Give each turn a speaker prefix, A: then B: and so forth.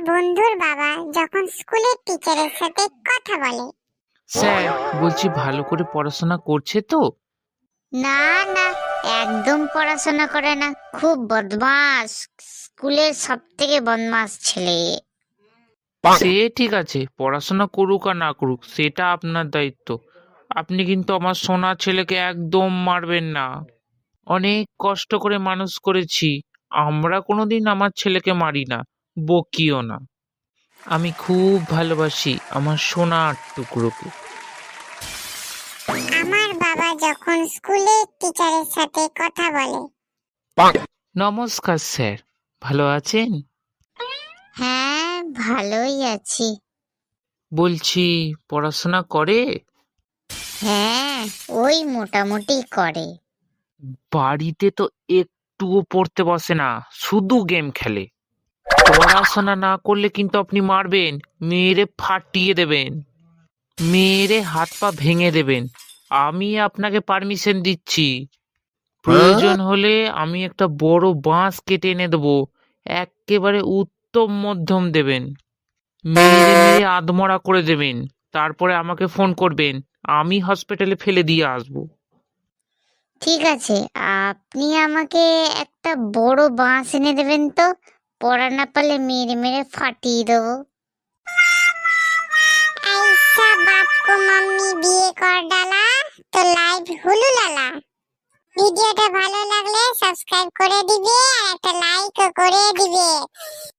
A: বন্ধুর বাবা যখন স্কুলের টিচারের সাথে কথা বলে।
B: স্যার, বলছি ভালো করে পড়াশোনা করছে তো?
C: না না, একদম পড়াশোনা করে না, খুব বদমাস, স্কুলের সব থেকে বদমাস ছেলে।
B: সে ঠিক আছে, পড়াশোনা করুক আর না করুক সেটা আপনার দায়িত্ব। আপনি কিন্তু আমার সোনা ছেলেকে একদম মারবেন না। অনেক কষ্ট করে মানুষ করেছি, আমরা কোনোদিন আমার ছেলেকে মারি না, বকিও না। আমি খুব ভালোবাসি আমার সোনার টুকরোকে।
A: আমার বাবা যখন স্কুলের টিচারের সাথে কথা বলে।
B: নমস্কার স্যার, ভালো আছেন?
C: হ্যাঁ, ভালোই আছি।
B: বলছি পড়াশোনা করে?
C: হ্যাঁ, ওই মোটামুটি করে।
B: বাড়িতে তো একটুও পড়তে বসে না, শুধু গেম খেলে। পড়াশোনা না করলে কিন্তু আপনি মারবেন, মেরে ফাটিয়ে দেবেন, মেরে হাত পা ভেঙে দেবেন। আমি আপনাকে পারমিশন দিচ্ছি। প্রয়োজন হলে আমি একটা বড় বাঁশ কেটে এনে দেবো, একেবারে উত্তম মধ্যম দেবেন, মেরে মেরে আধমরা করে দেবেন। তারপরে আমাকে ফোন করবেন, আমি হসপিটালে ফেলে দিয়ে আসবো।
C: ঠিক আছে, আপনি আমাকে একটা বড় বাঁশ এনে দেবেন তো, পড়া না পারলে মেরে মেরে ফাটিয়ে দেবো।
A: ऐसा बाप को मम्मी বিয়ে কর ডালা তো লাইভ হুলু লালা। ভিডিওটা ভালো লাগলে সাবস্ক্রাইব করে দিবে আর একটা লাইকও করে দিবে।